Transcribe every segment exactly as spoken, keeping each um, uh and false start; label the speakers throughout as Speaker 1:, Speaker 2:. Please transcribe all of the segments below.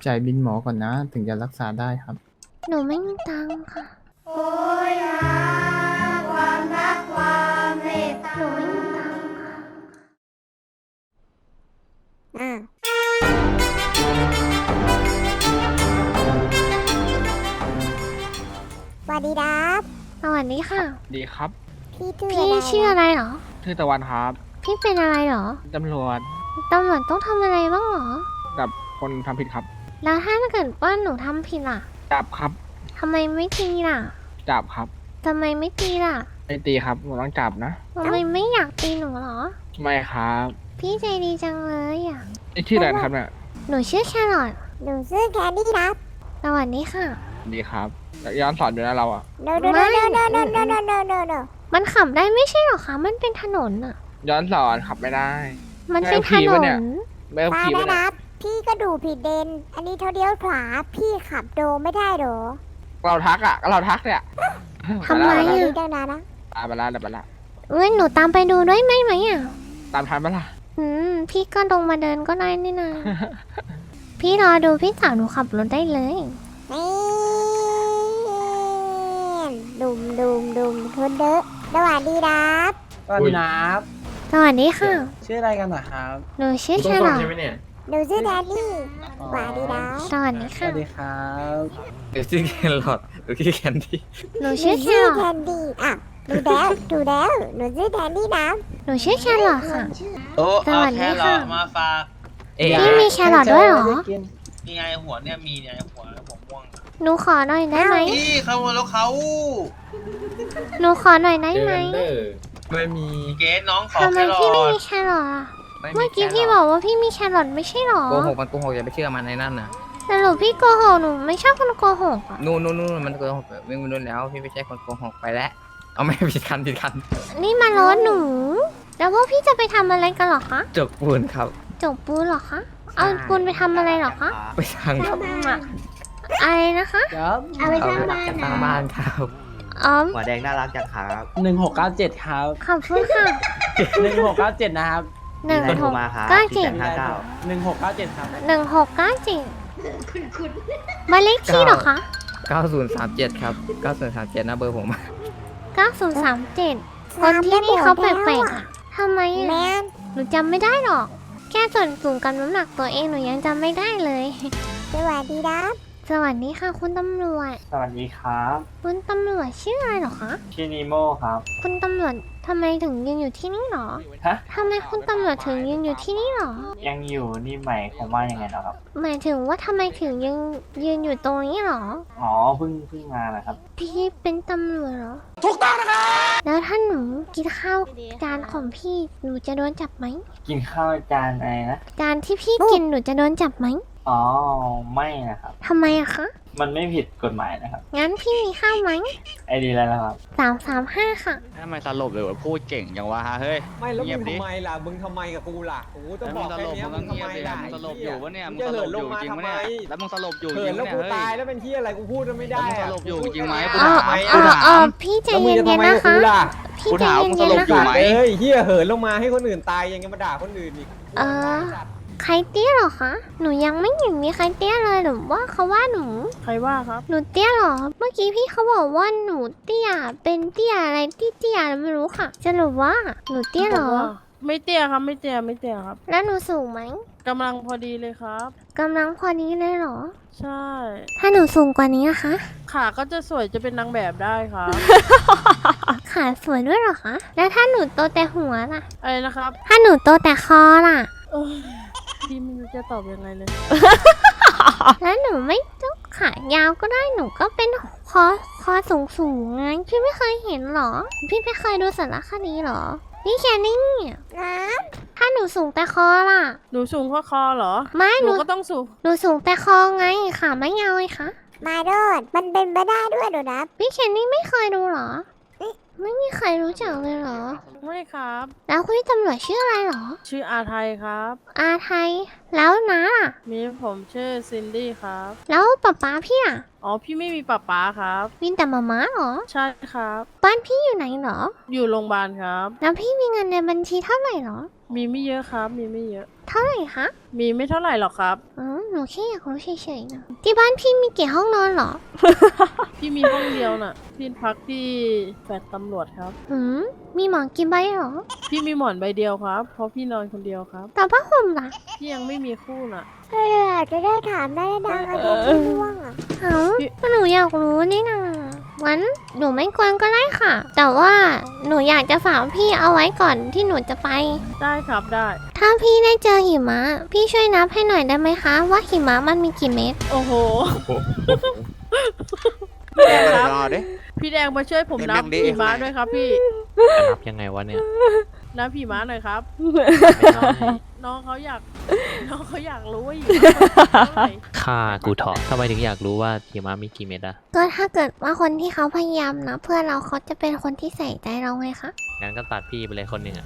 Speaker 1: จ่ายบินหมอก่อนนะถึงจะรักษาได้ครับ
Speaker 2: หนูไม่มีตังค์ค่ะ
Speaker 3: โอ้ยหาความรักความเมตตา
Speaker 2: หนูไม่มีตังค์ค่ะ
Speaker 3: อ่ะสวัสดีครับ
Speaker 2: สวัสดีค่ะ
Speaker 4: ดีครับ
Speaker 3: พี่ชื่อ
Speaker 2: พี่
Speaker 3: อะไร
Speaker 2: ชื่ออะไรเหรอ
Speaker 4: ชื่อตะวันครับ
Speaker 2: พี่เป็นอะไรเหรอ
Speaker 4: ตำรวจ
Speaker 2: ตำรวจต้องทำอะไรบ้างเหรอ
Speaker 4: กับคนทำผิดครับ
Speaker 2: แล้วถ้าเกิดว่าหนูทำผิดล่ะ
Speaker 4: จับครับ
Speaker 2: ทำไมไม่ตีล่ะ
Speaker 4: จับครับ
Speaker 2: ทำไมไม่ตีล่ะ
Speaker 4: ไม่ตีครับผมต้องจับนะ
Speaker 2: ทำไมไม่อยากตีหนูเหรอ
Speaker 4: ไม่ครับ
Speaker 2: พี่ใจดีจังเลยอ่ะ
Speaker 4: นี่ชื่ออะไรนะครับเนี่ย
Speaker 2: หนูชื่อแครอท
Speaker 3: หนูชื่อแคนดี้ครับ
Speaker 2: สวัสดีค่ะ
Speaker 4: ดีครับแล้วย้อนสอนอยู่นะเราอ่ะ
Speaker 3: เดเดเดเดเดเดเดเดเดเดเด
Speaker 2: มันขับได้ไม่ใช่เหรอคะ มันเป็นถนนอ่ะ
Speaker 4: ย้อนสอนขับไม่ได้
Speaker 2: มันเป็นถ
Speaker 4: ไม่เอาผี
Speaker 2: น
Speaker 4: ปะเนี่ย
Speaker 2: น
Speaker 4: ไม่เอา
Speaker 3: ตา
Speaker 4: ผี
Speaker 3: ได้
Speaker 4: มา
Speaker 3: ค
Speaker 4: เนี่ย
Speaker 3: รับ พี่ก็ดูผิดเลนอันนี้เท่าเดียวขวา พี่ขับโดไม่ได้เหรอ
Speaker 4: เราทักอ่ะก็เราทักเนี่ย
Speaker 2: ทำไม
Speaker 4: ป
Speaker 3: อัน
Speaker 4: ละ
Speaker 3: นี้ตั้งนานนะ
Speaker 4: ตามไปละตามไปละ
Speaker 2: เอ้ยหนูตามไปดูด้วยไหมไหมอ่ะ
Speaker 4: ตามทันปะล่ะ
Speaker 2: อืม พี่ก็ลงมาเดินก็ได้นี่นะ พี่รอดูพี่สาวหนูขับรถได้เลย
Speaker 3: นี่ดุมดุมดุมทุนเดอะสวัสดีครับ
Speaker 5: สวัสดีครับ
Speaker 2: สวัสดีค่ะ
Speaker 5: ชื่ออะไรกันนะครับ
Speaker 2: หนูชื่อแครอท
Speaker 3: หนูชื่อแดนนี่สวัสดีครับ
Speaker 2: สวัสดี
Speaker 5: ส
Speaker 2: ค่ะ
Speaker 5: วัสดีครับ
Speaker 6: หรือชื่อแครอทหรือชื่อแคนดี้
Speaker 2: หนู
Speaker 3: หนู
Speaker 2: ชื่อแค
Speaker 3: ชื่อ
Speaker 2: รอ
Speaker 3: แค
Speaker 2: ท
Speaker 3: นดี้อ่ะดูแล้วดูแล้วหนูชื่อแดนนี่นะ
Speaker 2: หนูชื่อแครอทค่ะ
Speaker 7: โอ้
Speaker 2: ส
Speaker 7: เอา
Speaker 2: วัสดี
Speaker 7: แค่รอ
Speaker 2: ค่ะ
Speaker 7: มาฝาก
Speaker 6: เอ๊ะ
Speaker 2: พี่มีแครอทด้วยเหรอ
Speaker 7: นี่ไงหัวเนี่ยมีเนี่ยหัวผมม่วง
Speaker 2: หนูขอหน่อยได้ไหม
Speaker 7: พี่เขาแล้วเขา
Speaker 2: หนูขอหน่อยได้ไหม
Speaker 6: ไม่มี
Speaker 7: เกสน้องขอ
Speaker 2: ทำไม
Speaker 7: แค่รอ
Speaker 2: พี่ไม่มีแครอทอ่ะ เมื่อกี้พี่บอกว่าพี่มีแครอทไม่ใช่หรอ
Speaker 6: โกหกมันโกหกอย่าไปเชื่อมันในนั่นนะ
Speaker 2: สรุปพี่โกหกหนูไม่ชอบคนโกหกอ่ะ
Speaker 6: นู่นนู่นนู่นมันโกหกวิ่งไปนู่นแล้วพี่ไม่ใช่คนโกหกไปแล้วเอาไม่ผิดคันผิดคัน
Speaker 2: นี่มารถหนู แล้วพวกพี่จะไปทำอะไรกันเหรอคะ
Speaker 6: จกปูนครับ
Speaker 2: จบปูนเหรอคะ เอาปูนไปทำอะไรเหรอคะ
Speaker 6: ไปทางครับ
Speaker 2: อะอะไรนะคะ
Speaker 5: ครับ
Speaker 3: เอาไป
Speaker 6: เอา
Speaker 3: ทำ
Speaker 6: ไป
Speaker 3: บ้าน
Speaker 6: จากทางบ้านครับ
Speaker 2: อ๋อ
Speaker 8: หัวแดงน่ารักจังครับ
Speaker 5: หนึ่งหกเก้าเจ็ดครับ
Speaker 2: ขอบคุณค่ะ
Speaker 5: หนึ่งหกเก้าเจ็ดนะครับ
Speaker 2: หนึ่ง
Speaker 8: มีอะไร
Speaker 2: ห
Speaker 8: โทร
Speaker 2: ก
Speaker 8: มาครับ
Speaker 2: เก้าเจ็ด
Speaker 8: ห้าเก้า
Speaker 5: หนึ่งหกเก้าเจ็ดครับ
Speaker 2: หนึ่งหกเก้าเจ็ดมานเลขที่เหรอคะ
Speaker 6: เก้าศูนย์สามเจ็ดครับเก้าศูนย์สามเจ็ดนะเบอร์ผม
Speaker 2: เก้าศูนย์สามเจ็ดคนที่นี่เขาแปลกๆอ่ะทำไม
Speaker 3: แม
Speaker 2: อ่ะ
Speaker 3: น
Speaker 2: หนูจำไม่ได้หรอก แค่ส่วนสูงกับน้ำหนักตัวเองหนูยังจำไม่ได้เลย
Speaker 3: สวัสดีครับ
Speaker 2: สวัสดีค่ะคุณตำรวจ
Speaker 8: สวัสดีครับ
Speaker 2: คุณตำรวจชื่ออะไรเหรอคะ
Speaker 8: ชื่อนีโมครับ
Speaker 2: คุณตำรวจทำไมถึงยืนอยู่ที่นี่หรอ
Speaker 8: ฮะ
Speaker 2: ทำไมคุณตำรวจถึงยืนอยู่ที่นี่หรอ
Speaker 8: ยังอยู่นี่ใหม่ของว่ายังไงเหรอครับ
Speaker 2: หมายถึงว่าทำไมถึงยืนยืนอยู่ตรงนี้หรอ
Speaker 8: อ๋อเพิ่งเพิ่งมานะครับ
Speaker 2: พี่เป็นตำรวจเหรอ ถูกต้องนะครับแล้วถ้าหนูกินข้าวจานของพี่หนูจะโดนจับไหม
Speaker 8: กินข้าวจานอะไรนะ
Speaker 2: จานที่พี่กินหนูจะโดนจับไหม
Speaker 8: อ๋อ ไม่นะครับ
Speaker 2: ทำไมอะคะ
Speaker 8: มันไม่ผิดกฎหมายนะครับ
Speaker 2: งั้นพี่มีข้าวไหม
Speaker 8: ไอดีแล้วนะครับ
Speaker 2: สามสามห้าค่ะ
Speaker 9: ทำไมสลบเลยว่าพูดเก่งอย่างวะฮะเฮ้ย
Speaker 5: ไม่แล้ว
Speaker 9: เงี
Speaker 5: มึ
Speaker 9: ยบ
Speaker 5: ง
Speaker 9: ดิ
Speaker 5: ทำไมล่ะ มึงทำไมกับกูล่ะกูต้อง
Speaker 9: แล้ว
Speaker 5: บ
Speaker 9: มึ
Speaker 5: อง ก
Speaker 9: ส
Speaker 5: แค่
Speaker 9: ลบ
Speaker 5: เนี้ย
Speaker 9: มึ
Speaker 5: มึ
Speaker 9: ง
Speaker 5: ง
Speaker 9: ก็เงี
Speaker 5: ทำ
Speaker 9: ยบ
Speaker 5: ไม
Speaker 9: เลย
Speaker 5: ล่ะ
Speaker 9: มึงสลบอยู่วะเนี่ยมึง
Speaker 5: จะ
Speaker 9: สล
Speaker 5: เหิ
Speaker 9: บ
Speaker 5: น
Speaker 9: อ
Speaker 5: ลง
Speaker 9: ยู่
Speaker 5: มา
Speaker 9: จริง
Speaker 5: ทำ
Speaker 9: วะ
Speaker 5: ไม
Speaker 9: เนี่ยแล้วมึงสลบอยู่จ
Speaker 5: เหิ
Speaker 9: ริ
Speaker 5: น
Speaker 9: ง
Speaker 5: แล้ว
Speaker 9: วะ
Speaker 5: กู
Speaker 9: เนี่ย
Speaker 5: ตาย
Speaker 9: เฮ้ย
Speaker 5: แล้วเป็นที่อะไรกูพูดไม่ได้
Speaker 9: แล้วมึง
Speaker 5: อะ
Speaker 9: สลบอยู่จริงไหม
Speaker 5: กู
Speaker 9: กู
Speaker 5: พูด
Speaker 9: ถาม
Speaker 5: ไม่
Speaker 2: เอ
Speaker 5: ได้
Speaker 2: อ
Speaker 9: กู
Speaker 2: เอ
Speaker 9: ถา
Speaker 2: อ
Speaker 9: ม
Speaker 2: พี่ใจ
Speaker 5: แล้วมึง
Speaker 2: เย็
Speaker 5: จะทำ
Speaker 2: น
Speaker 5: ไม
Speaker 2: ๆ
Speaker 5: กับ
Speaker 2: นะคะ
Speaker 5: กูล่ะ
Speaker 2: พี่
Speaker 9: กู
Speaker 2: ใจ
Speaker 9: ถาม
Speaker 2: เย็
Speaker 9: มึงส
Speaker 2: น
Speaker 9: ล
Speaker 2: ๆ
Speaker 9: บ
Speaker 2: นะ
Speaker 9: อยู่
Speaker 2: คะ
Speaker 9: ไหม
Speaker 5: เอ้ยเฮียเหินลงมาให้คนอื่นตายยังจะมาด่าคนอื่นอีก
Speaker 2: เออ ใครเตี้ยเหรอคะ หนูยังไม่เห็นมีใครเตี้ยเลยหรือว่าเขาว่าหนู
Speaker 10: ใครว่าครับ
Speaker 2: หนูเตี้ยเหรอ เมื่อกี้พี่เขาบอกว่าหนูเตี้ย เป็นเตี้ยอะไรที่เตี้ยไม่รู้ค่ะสรุปว่าหนูเตี้ยเหรอ
Speaker 10: ไม่เตี้ยครับ ไม่เตี้ย ไม่เตี้ยครับ
Speaker 2: แล้วหนูสูงไหม
Speaker 10: กำลังพอดีเลยครับ
Speaker 2: กำลังพอนี้เลยเหรอ
Speaker 10: ใช่
Speaker 2: ถ้าหนูสูงกว่านี้อะคะ
Speaker 10: ขาก็จะสวยจะเป็นนางแบบได้ครับ
Speaker 2: ขาสวยด้วยเหรอคะ แล้วถ้าหนูโตแต่หัวล่ะ
Speaker 10: อะไรนะครับ
Speaker 2: ถ้าหนูโตแต่คอล่ะ
Speaker 10: เอ้ยพี่ไม่รู้จะตอบยังไงเลย
Speaker 2: แล้วหนูไม่ต้องขายาวก็ได้หนูก็เป็นคอคอสูงสูงไงพี่ไม่เคยเห็นเหรอ พี่ไม่เคยดูสารคดีเหรอ นี่แค่นี้
Speaker 3: น้
Speaker 2: ถ้าหนูสูงแต่คอล่ะ
Speaker 10: หนูสูงกว่าคอเหรอ
Speaker 2: ไม่
Speaker 10: ห
Speaker 2: ห
Speaker 10: นู
Speaker 2: นู
Speaker 10: ก็ต้องสูง
Speaker 2: หนูสูงแต่คอไงขาไม่ยาวไงคะ
Speaker 3: ำมาโดดมันเป็นไปได้ด้วยเหรอนะ
Speaker 2: พี่เคนนี่ไม่เคยดูเหรอ ไม่มีใครรู้จักเลยเหรอ
Speaker 10: ไม่ครับ
Speaker 2: แล้วคุณตำรวจชื่ออะไรเหรอ
Speaker 10: ชื่ออาไทยครับ
Speaker 2: อาไทย แล้วนะล่ะ
Speaker 10: มีผมชื่อซินดี้ครับ
Speaker 2: แล้วป๊าป๊าพี่อ่ะ
Speaker 10: อ๋อ พี่ไม่มีป๊าป๊าครับ
Speaker 2: มีแต่มาม่าเหรอ
Speaker 10: ใช่ครับ
Speaker 2: บ้านพี่อยู่ไหนเหรอ
Speaker 10: อยู่โรงพยาบาลครับ
Speaker 2: แล้วพี่มีเงินในบัญชีเท่าไหร่เหรอ
Speaker 10: มีไม่เยอะครับ มีไม่เยอะ
Speaker 2: เท่าไหร่คะ
Speaker 10: มีไม่เท่าไหร่หรอกครับ
Speaker 2: อืมหนูแค่อยากรู้เฉยๆนะที่บ้านพี่มีกี่ห้องนอนเหรอ
Speaker 10: พี่มีห้องเดียวน่ะ พี่พักที่แฟลตตำรวจครับ
Speaker 2: หืมมีหมอนกี่ใบเหรอ
Speaker 10: พี่มีหมอนใบเดียวครับ เพราะพี่นอนคนเดียวครับ
Speaker 2: แต่ผ้าห่มล่ะ
Speaker 10: พี่ยังไม่มีคู่น่ะ
Speaker 3: เออจะได้ถามได้ดังอายุพี่ม่วงอ่ะ
Speaker 2: เอ้าก็หนูอยากรู้นี่นะงั้นหนูไม่กวนก็ได้ค่ะ แต่ว่าหนูอยากจะฝากพี่เอาไว้ก่อนที่หนูจะไป
Speaker 10: ได้ครับได้
Speaker 2: ถ้าพี่ได้เจอหิมะ พี่ช่วยนับให้หน่อยได้ไหมคะ ว่าหิมะมันมีกี่เม็ด
Speaker 10: โอ้โห
Speaker 4: แดงมาดอดิ
Speaker 10: พี่แดงมาช่วยผมนับ
Speaker 4: เด็กๆดิ
Speaker 10: ผีม้าด้วยครับพี่
Speaker 9: จะนับยังไงวะเนี่ย
Speaker 10: นับผีม้าหน่อยครับ น้องเขาอยาก น้องเขาอยากรู้ว่าหิมะมันเท่าไหร่
Speaker 9: ค่ากูเถอะทำไมถึงอยากรู้ว่าหิมะมีกี่เม็ดอะ
Speaker 2: ก็ถ้าเกิดว่าคนที่เขาพยายามนะเพื่อเราเขาจะเป็นคนที่ใส่ใจเราไงคะ
Speaker 9: งั้นก็ตัดพี่ไปเลยคนหนึ่งอะ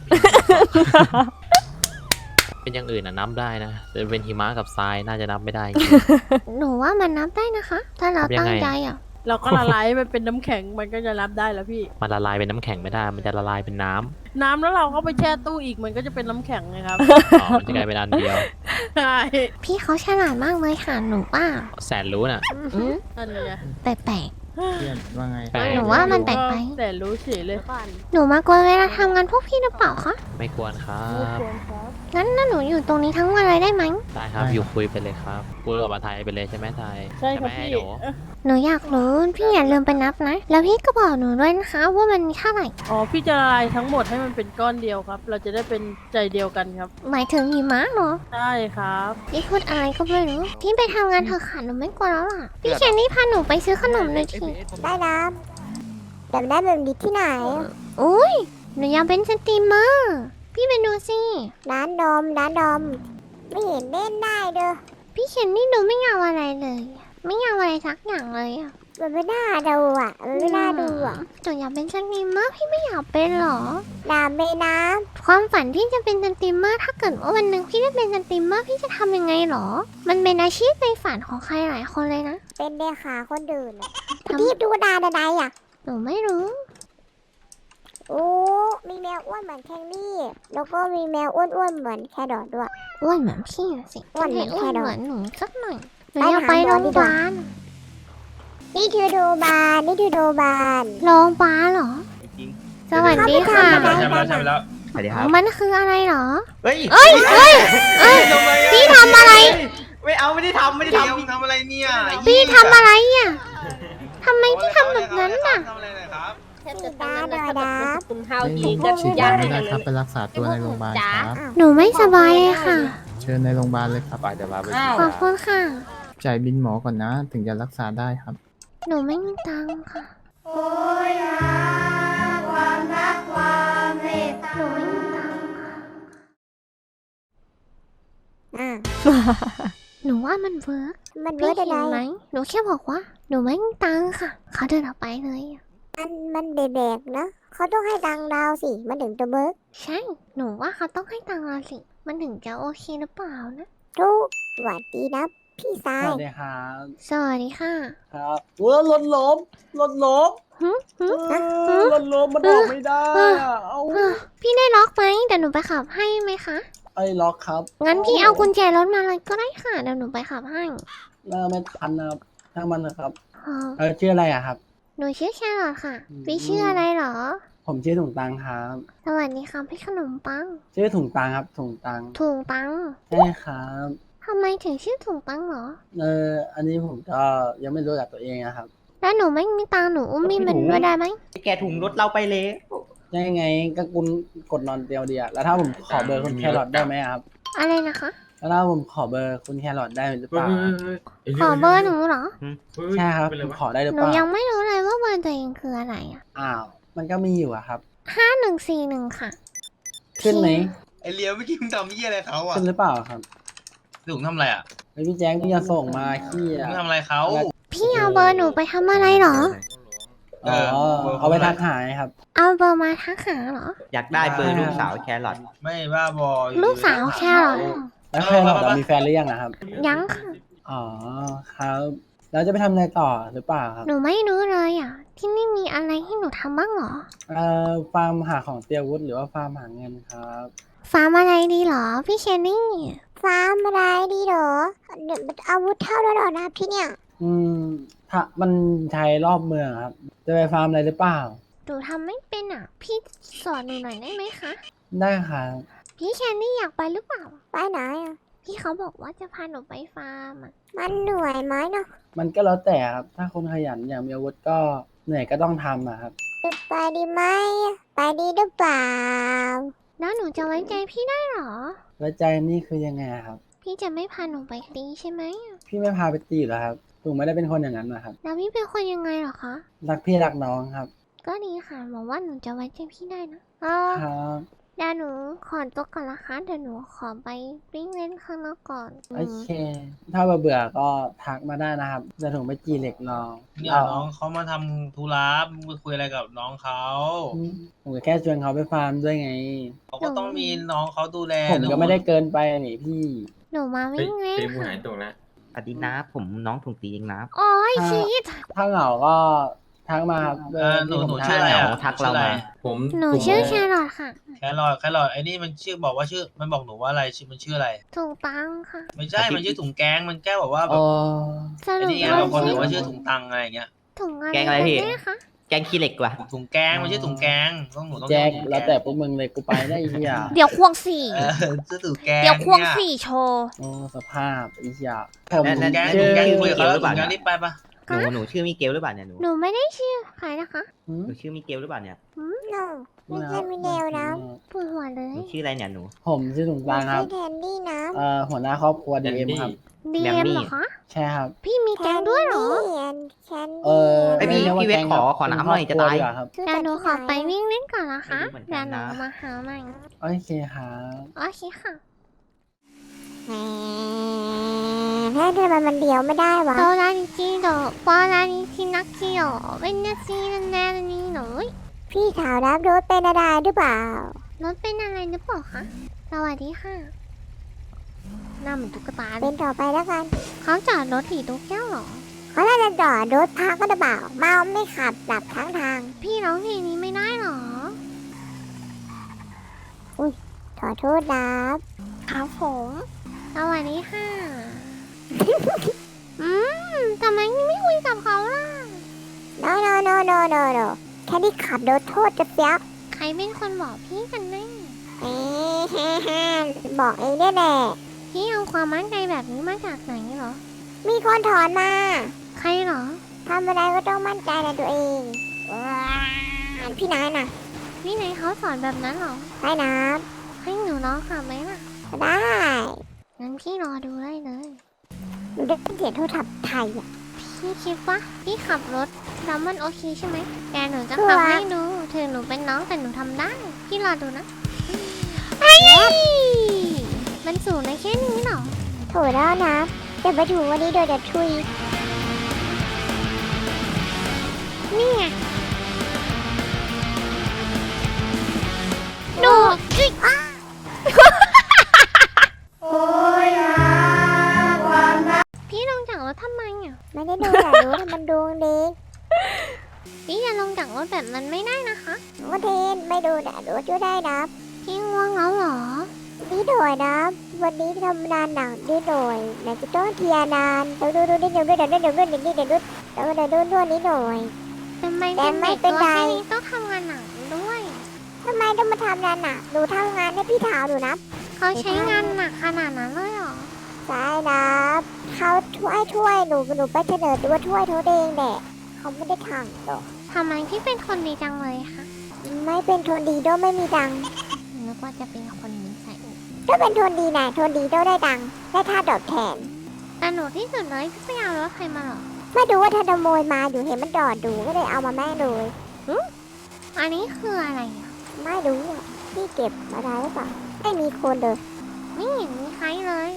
Speaker 9: เป็นอย่างอื่นอะนับได้นะแต่เป็นหิมะกับทรายน่าจะนับไม่ได้จริง
Speaker 2: หนูว่ามันนับได้นะคะ ถ้าเรา
Speaker 9: นับยัง
Speaker 2: ตั้ง
Speaker 9: ไง
Speaker 2: ใจอ่ะ
Speaker 10: เราก็ละลายให้มันเป็นน้ำแข็งมันก็จะรับได้แล้วพี่
Speaker 9: มันละลายเป็นน้ำแข็งไม่ได้ มันจะละลายเป็นน้ำ
Speaker 10: น้ำแล้วเราก็ไปแช่ตู้อีกมันก็จะเป็นน้ำแข็งไงครับ
Speaker 9: อ๋อ มันจะกลายเป็นอันเดียว
Speaker 10: ใช่
Speaker 2: พี่เขาฉลาดมากเลยค่ะหนูว่า
Speaker 9: แสนรู้น่ะ
Speaker 2: อืม
Speaker 10: นั่นไง
Speaker 2: แปลก
Speaker 1: เพื่อนว่าไง
Speaker 9: แปลก
Speaker 2: หนูว่ามันแปลกไป
Speaker 10: แต่รู้เฉยเลย
Speaker 2: ๆหนูมากวนเวลาทำงานพวกพี่หรือเปล่าคะ
Speaker 9: ไม่ควรครับ
Speaker 2: งั้นน่ะหนูอยู่ตรงนี้ทั้งวันเลยได้ไหม
Speaker 9: ได้ครับ อยู่คุยไปเลยครับพูดกับมาไทยไปเลยใช่ไหมไทย
Speaker 10: ใช่ครับ
Speaker 9: ไหม
Speaker 10: พี่
Speaker 9: ไอ้หนู
Speaker 10: เอ้อ
Speaker 2: หนูอยากรู้พี่อย่าลืมไปนับนะ แล้วพี่ก็บอกหนูด้วยนะคะว่ามันมีเท่าไหร่
Speaker 10: อ๋อพี่จะละลายทั้งหมดให้มันเป็นก้อนเดียวครับ เราจะได้เป็นใจเดียวกันครับ
Speaker 2: หมายถึงหิมะเหรอ
Speaker 10: ใช่ครับ
Speaker 2: พี่พูดอะไรก็ไม่รู้ พี่ไปทำงานเถอะค่ะหนูไม่กลัวแล้วล่ะ พี่แคนนี่พาหนูไปซื้อขนมหน่อยที
Speaker 3: ได้นะแต่ได้แบบนี้ที่ไหน
Speaker 2: อุ้ยหนูอยากเป็นสตรีมเมอร์ พี่ไปดูสิ
Speaker 3: ร้านดอมร้านดอม ไม่เห็นเล่นได้เด้อ
Speaker 2: พี่เคนนี่ดูไม่เอาอะไรเลย ไม่เอาอะไรสักอย่างเลยอะ
Speaker 3: มันไม่น่าดูอ่ะ มันไม่น่าดูอ่ะ
Speaker 2: หนูอยากเป็นสตรีมเมอร์พี่ไม่อยากเป็นหรอ
Speaker 3: น้ำไม่น้
Speaker 2: ความฝันที่จะเป็นสตรีมเมอร์ถ้าเกิดว่าวันหนึ่งพี่ได้เป็นสตรีมเมอร์พี่จะทำยังไงหรอ มันเป็นอาชีพในฝันของใครหลายคนเลยนะ
Speaker 3: ำเป็นเด็กขาคนอื่นอะ
Speaker 2: ทำ
Speaker 3: พี่ดูดาดาไดอ่ะ
Speaker 2: หนูไม่รู้
Speaker 3: โอ้ มีแมวอ้วนเหมือนแคนนี่ แล้วก็มีแมวอ้วนๆเหมือนแครอทด้วย
Speaker 2: อ้วนเหมือนพี่อะสิ
Speaker 3: อ้วนเหมือน
Speaker 2: อ้วน
Speaker 3: แค่ดอก
Speaker 2: เหมือนหนูสักหน่อยหนู
Speaker 3: ไป
Speaker 2: อยาก
Speaker 3: หา
Speaker 2: ไป
Speaker 3: หม
Speaker 2: โร
Speaker 3: อง
Speaker 2: พ
Speaker 3: ดี
Speaker 2: ยาก
Speaker 3: ว่า
Speaker 2: บาล
Speaker 3: นี่คือดูบานนี่คือดูบาน
Speaker 2: โรงพยาบาลเหรอ สวัสดีค่ะ
Speaker 3: ใช่ไหม
Speaker 7: ใช่ไหมแล้ว
Speaker 6: สวัสดีครับ
Speaker 2: มันคืออะไรเหรอ
Speaker 6: เฮ้ย
Speaker 2: เอ้ยเอ้ยเอ้ยพี่ทำอะไร
Speaker 6: ไม่เอาไม่ได้ทำไม่ได้
Speaker 7: เดี๋ยว
Speaker 6: ทำ
Speaker 7: มึงทำอะไรเนี่ย
Speaker 2: พี่ทำอะไรอ่ะทำไมพี่ทำแบบนั้นน่ะ
Speaker 7: ทำอะไรหน่อยครับ
Speaker 3: สีดาดอยดา
Speaker 1: ไม่ฉีดยาไม่ได้ครับไปรักษาตัวในโรงพยาบาลครับ
Speaker 2: หนูไม่สบายเลยค่ะ
Speaker 1: เชิญในโรงพยาบาลเลยครับ
Speaker 4: ไปเดี๋ยวมาไป
Speaker 2: ขอบคุณค่ะ
Speaker 1: จ่ายบินหมอก่อนนะ ถึงจะรักษาได้ครับ
Speaker 2: หนูไม่มีตังค์ค่ะ
Speaker 3: โอ้ยหาความรักความเมตตา
Speaker 2: หนูไม่มีตังค์ค่ะ
Speaker 3: อ่ะ
Speaker 2: หนูว่ามันเวิร์ก
Speaker 3: มัน
Speaker 2: พี่
Speaker 3: เวิร์ด
Speaker 2: เห็
Speaker 3: อะ
Speaker 2: นไหม
Speaker 3: ไร
Speaker 2: หนูแค่บอกว่า หนูไม่มีตังค์ค่ะ เขาเดินออกไปเลยอะ
Speaker 3: มันมันเด็กๆนะ เขาต้องให้ตังค์ดาวสิ มันถึงจะเบิร์ก
Speaker 2: ใช่ หนูว่าเขาต้องให้ตังค์เราสิ มันถึงจะโอเคหรือเปล่านะ
Speaker 3: ทุกหวัดดีนะ พี่ชาย
Speaker 8: สวัสดีครับ
Speaker 2: สวัสดีค่ะ
Speaker 8: ครับเออรถล้มรถล้ม
Speaker 2: หึหึ
Speaker 8: เออรถล้มมันออกไม่ได้อะเอา
Speaker 2: เออพี่ได้ล็อกไหมเดี๋ยวหนูไปขับให้ไหมคะ
Speaker 8: ไอ้ล็อกครับ
Speaker 2: งั้นพี่เอากุญแจรถมาเลยก็ได้ค่ะ เดี๋ยวหนูไปขับให้
Speaker 8: น่าไม่ทันนะครับถ้างมันนะครับ
Speaker 2: อ๋อ
Speaker 8: เออชื่ออะไรอะครับ
Speaker 2: หนูชื่อแครอทค่ะ
Speaker 8: อืม
Speaker 2: พี่ชื่ออะไรเหรอ
Speaker 8: ผมชื่อถุงตังครับ
Speaker 2: สวัสดีค่ะพี่ขนมปัง
Speaker 8: ชื่อถุงตังครับถุงตัง
Speaker 2: ถุงตัง
Speaker 8: ใช่ครับ
Speaker 2: ทำไมถึงชื่อถุงตังเหรอ
Speaker 8: เอออันนี้ผมก็ยังไม่รู้จักตัวเองนะครับ
Speaker 2: แล้วหนูไม่มีตังค์หนูอุ้มมีมันด้วยได้ไหม
Speaker 6: แกถุงรถเราไปเลย
Speaker 8: ยังไงก็คุณกดนอนเดียวเดียวแล้วถ้าผมขอเบอร์คุณแครอทได้ไหมครับ
Speaker 2: อะไรนะคะ
Speaker 8: แล้วถ้าผมขอเบอร์คุณแครอทได้หรือเปล่า
Speaker 2: ขอเบอร์หนูเหรอ
Speaker 8: ใช่ครับผมขอได้หรือ
Speaker 2: ห
Speaker 8: เป
Speaker 2: นู
Speaker 8: ล่า
Speaker 2: ยังไม่รู้เลยว่าเบอร์ตัวเองคืออะไรอ่ะ
Speaker 8: อ้าว มันก็มีอยู่อะครับ
Speaker 2: ห้าหนึ่งสี่หนึ่งค่ะ
Speaker 8: ขึ้นไหม
Speaker 7: ไอเลี้ยวเมื่อกี้มึงทำเหี้ยอะไรเขาอ่ะ
Speaker 8: ขึ้นหรือเปล่าครับ
Speaker 7: ถุงทำอะไรอ่ะ
Speaker 8: ไอพี่แจ๊คพี่จะส่งมาขี้
Speaker 7: มึ
Speaker 8: อะ
Speaker 7: งทำอะไรเขา
Speaker 2: พี่เอาเบอร์หนูไปทำอะไรเหรอ
Speaker 8: อ๋อ เอาไปทักหายครับ
Speaker 2: เอาเบอร์มาทักหาเหรอ
Speaker 6: อยากได้เบอร์ลูกสาวแครอท
Speaker 7: ไม่บ้าบออยู่
Speaker 2: ลูกสาวแครอทเหรอ
Speaker 8: แล้วแครอทอะมีแฟนหรือยังอะครับ
Speaker 2: ยังค่ะ
Speaker 8: อ๋อ ครับ แล้วจะไปทำอะไรต่อหรือเปล่าครับ
Speaker 2: หนูไม่รู้เลยอ่ะ ที่นี่มีอะไรให้หนูทำบ้างเหรอ
Speaker 8: เอ่อ ฟาร์มหาของเตรียมอาวุธหรือว่าฟาร์มหาเงินครับ
Speaker 2: ฟาร์มอะไรดีเหรอ พี่เชนนี่
Speaker 3: ฟาร์มอะไรดีเหรอเดี๋ยวอาวุธเท่าแล้วเหรอนะที่เนี่ย
Speaker 8: อืมถ้ามันใช้รอบเมืองครับ จะไปฟาร์มอะไรหรือเปล่า
Speaker 2: หนูทำไม่เป็นอ่ะ พี่สอนหนูหน่อยได้ไหมคะ
Speaker 8: ได้ครับ
Speaker 2: พี่แคนดี้อยากไปหรือเปล่า
Speaker 3: ไปไหนอ่ะ
Speaker 2: พี่เขาบอกว่าจะพาหนูไปฟาร์มอ่ะ
Speaker 3: มันเหนื่อยไหมเนาะ
Speaker 8: มันก็แล้วแต่ครับ ถ้าคนขยันอย่างมีอาวุธก็เหนื่อยก็ต้องทำอะครับ
Speaker 3: ไปดีไหมไปดีหรือเปล่า
Speaker 2: แล้วหนูจะไว้ใจพี่ได้เหรอ
Speaker 8: แล้วใจนี่คือยังไงครับ
Speaker 2: พี่จะไม่พาหนูไปตีใช่ไหม
Speaker 8: พี่ไม่พาไปตีเหรอครับหนูไม่ได้เป็นคนอย่างนั้นนะครับ
Speaker 2: แล้วพี่เป็นคนยังไงเหรอคะ
Speaker 8: รักพี่รักน้องครับ
Speaker 2: ก็ดีค่ะหวังว่าหนูจะไว้ใจพี่ได้นะอ๋อ
Speaker 8: ครับ
Speaker 2: เดี๋ยวหนูขอตัวก่อนนะคะเดี๋ยวหนูขอไปวิ่งเล่นข้างนอกก่อน
Speaker 8: โอเค ถ้าเบื่อๆก็ทักมาได้นะครับจะถึงไปจีเหล็กรอ
Speaker 7: เนี่ย
Speaker 8: เอา
Speaker 7: น้องเขามาทำธุระมึงไปคุยอะไรกับน้องเขา
Speaker 8: อืมผมก็แค่ชวนเขาไปฟาร์มด้วยไง
Speaker 7: เขาก็ต้องมีน้องเขาดูแล
Speaker 8: ผมก็ไม่ได้เกินไปนี่พี่
Speaker 2: หนูมาวิ่งเล่นค่ะ
Speaker 6: อดีนะผมน้องถุงตีเองนะ
Speaker 2: โอ้ย
Speaker 8: ถ้า
Speaker 2: ชีต
Speaker 8: ถ้าเหงาก็ทักมาครับ
Speaker 7: เออหนู
Speaker 8: ที่
Speaker 7: หนู
Speaker 8: ผม
Speaker 7: ชื่ออะไร
Speaker 8: ทัก
Speaker 7: อ่ะ
Speaker 6: ทักเรามา
Speaker 1: ผม
Speaker 2: หนูชื่อแครอทค่ะ
Speaker 7: แครอทแครอทไอ้นี่มันชื่อบอกว่าชื่อมันบอกหนูว่าอะไรชื่อมันชื่ออะไร
Speaker 2: ถูกตังค่ะ
Speaker 7: ไม่ใช่มันชื่อถุงแกงมันแก้บอกว่าแบ
Speaker 8: อ๋
Speaker 7: บ
Speaker 8: อ
Speaker 2: ส
Speaker 7: ไอ้
Speaker 2: รุป
Speaker 7: นี่ไง
Speaker 2: ว่า
Speaker 7: บางคน
Speaker 2: ชื่
Speaker 7: ถื
Speaker 2: อ
Speaker 7: อว่าชื่อถุงตังอะไรอย่างเงี้ย
Speaker 2: ถุงอะไร
Speaker 6: แกงอะไรพี่
Speaker 2: กันแน่คะ
Speaker 6: แกงขี้เหล็กว่ะ
Speaker 7: ถุงแกงมันชื่อถุงแกงต้องหนูต้อง
Speaker 8: แจ็ค
Speaker 7: เรียกถุง
Speaker 8: แล้วแต่พวกมึงเลยกูไปได้ไอ้เหี้ย
Speaker 2: เดี๋ยวควงสี่
Speaker 7: เออชื่อถุงแกง
Speaker 2: เดี๋ยวควง
Speaker 7: เนี่ย
Speaker 2: สี่โชว์
Speaker 8: โอ้สภาพไอ้เหี้ยผม
Speaker 6: นั่น
Speaker 7: ถุงแกง
Speaker 8: ชื่
Speaker 7: ถุ
Speaker 8: อง
Speaker 7: แกงคุยกับเขาแล้ว
Speaker 6: หรือเป
Speaker 7: ถุ
Speaker 6: ล่า
Speaker 7: งแกงรีบไปปะ
Speaker 6: หนูหนูชื่อมิเกลหรือเปล่าเนี่ยหนู
Speaker 2: หนูไม่ได้ชื่อใครนะคะ
Speaker 8: หืม
Speaker 6: หนูชื่อมิเกลหรือเปล่าเนี่ย
Speaker 3: โนไม่ใช่มิเดลนะ
Speaker 2: ปวดหัวเล
Speaker 6: หนู
Speaker 2: ย
Speaker 6: ชื่ออะไรเนี่ยหนู
Speaker 8: ผมชื่อถุง
Speaker 3: ไม่
Speaker 8: ตางค
Speaker 3: ใช่
Speaker 8: รับ
Speaker 3: แทนดี้นะ
Speaker 8: เอ่อหัวหน้าครอบครัวดีเอ็มครับ
Speaker 2: ดี
Speaker 6: แบ
Speaker 2: เอ็
Speaker 6: ม
Speaker 2: ม
Speaker 6: มี่
Speaker 2: เหรอคะ
Speaker 8: ใช่ครับ
Speaker 2: พี่มีแกงด้วยเหรอ
Speaker 3: แคน
Speaker 8: เอ
Speaker 3: ดี้
Speaker 8: อ
Speaker 6: ไอยพี่
Speaker 8: รีก
Speaker 6: พี่เวท
Speaker 8: แก๊ง
Speaker 6: ขอ
Speaker 8: ครับ
Speaker 6: ขอน้ำหน่อย
Speaker 8: เป็
Speaker 6: จะ
Speaker 8: ครอบ
Speaker 6: ตาย
Speaker 8: ครัวดีกว่ครับ
Speaker 2: เดี๋ยวหนูขอไปวิ่งเล่นก่อนนะคะ
Speaker 6: ไม่รู้เหมือนกั
Speaker 2: เดี๋ยวน หนู
Speaker 6: นะ
Speaker 2: มาหาใหม่
Speaker 8: โอเคครับ
Speaker 2: โอเคค่ะ
Speaker 3: แหมถ้าทำไมมันเดียวไม่ได้วะ
Speaker 2: โตรานิจิโดปอรานิจินักเกียวเป็นนาซีนันแนนนี่หนู
Speaker 3: พี่ขาวรับรถเป็นอะไรหรือเปล่าร
Speaker 2: ถเป็นอะไรหรือเปล่าคะสวัสดีค่ะหน้าเหมือนตุ๊กตาเล
Speaker 3: เป็
Speaker 2: ย
Speaker 3: นต่อไปแล้วกัน
Speaker 2: เขาจอดรถถีตุ๊กแก้วเหรอ
Speaker 3: เขาน่าจะจอดรถพักก็จะเปล่าเมาไม่ขับหลับทั้งทาง
Speaker 2: พี่ร้องเพลงนี้ไม่ได้เหรอ
Speaker 3: ขอโทษรับ
Speaker 2: ครับผมสวัสดีค่ะ อืมทำไมไม่คุยกับเขาล่ะ
Speaker 3: โนโนโนโนโนโนแค่ที่ขับรถโทษจะเสียบ
Speaker 2: ใครเป็นคนบอกพี่กันแน่
Speaker 3: เอ๊ะฮ่าฮ่าบอกเองได้แหละ
Speaker 2: พี่เอาความมั่นใจแบบนี้มาจากไหนเหรอ
Speaker 3: มีคนถอนมา
Speaker 2: ใครเหรอ
Speaker 3: ทำอะไรก็ต้องมั่นใจในตัวเองว้าวพี่นายน่ะ
Speaker 2: พี่ไหนเขาสอนแบบนั้นเหรอ
Speaker 3: ไปนับ
Speaker 2: ให้หนูร้องค่ะไหมล่ะ
Speaker 3: ได้
Speaker 2: งั้นพี่รอดูได้เลย
Speaker 3: หนูได้เสียงโทรศัพท์ไทยอ่ะ
Speaker 2: พี่คิดว่าพี่ขับรถแล้วมันโอเคใช่ไหมแต่หนูจะขับให้ดูถึงหนูเป็นน้องแต่หนูทำได้ พี่รอดูนะไอ้มันสูงในแค่นี้เหรอ
Speaker 3: โถแล้วนะจะไปถูวันนี้โดยจะทุย
Speaker 2: นี่ไงดูจิ๊กพี่ลงจากรถทำไมอ่ะ
Speaker 3: ไม่ได้ดูแต่รู้แต่มันดวงดี
Speaker 2: พี่จะลงจากรถแบบนั้นไม่ได้นะคะ
Speaker 3: ว่าเทนไม่ดูแต่รู้ช่วยได้นะ
Speaker 2: พี่ง่วงแล้วเหรอ
Speaker 3: นี่โดยนะวันนี้ทำนานหนักดีโดยไหนจะต้องเทียนานดูดูดูดิเดี๋ยวด้วยเดี๋ยวด้วยเดี๋ยวด้วยเดี๋ยวด้วยเดี๋ยวด้วยเดี๋ยวด้วยด้วยนี้หน่อย
Speaker 2: ทำไม
Speaker 3: แต่
Speaker 2: เป็น
Speaker 3: ไม่
Speaker 2: เด็ก
Speaker 3: เป็น
Speaker 2: ตัว
Speaker 3: ไร
Speaker 2: แค่นี้ต้องทำงานหนักด้วย
Speaker 3: ทำไมต้องมาทำงานหนักหนูทำงานให้พี่ถาวหนูนะ
Speaker 2: เขาใช้งานหนักขนาดนั้นเลยเหรอ
Speaker 3: ใช่นะเขาช่วยช่วยหนูหนูไปเสนอตัวช่วยเขาเองแหละเขาไม่ได้ทำหรอก
Speaker 2: ทำไมพี่เป็นคนดีจังเลยคะ
Speaker 3: ไม่เป็นทนดีโดไม่มีตังค์
Speaker 2: นึกว่าจะเป็นคนนิสัย
Speaker 3: ถ้าเป็นทนดีนะทนดีโดได้ตังค์ได้ค่าตอบแทน
Speaker 2: แต่หนูที่สุดเลยพี่ไปเอารถใครมาเหรอ
Speaker 3: ไม่ดูว่าถ้าขโมยมาอยู่เห็นมันจอดดูก็เลยเอามาแม่งเลย
Speaker 2: อันนี้คืออะไรอ่ะ
Speaker 3: ไม่รู้อ่ะพี่เก็บมาได้หรือเปล่าไม่มีคนเลย
Speaker 2: ไม่เห็นมีใครเลย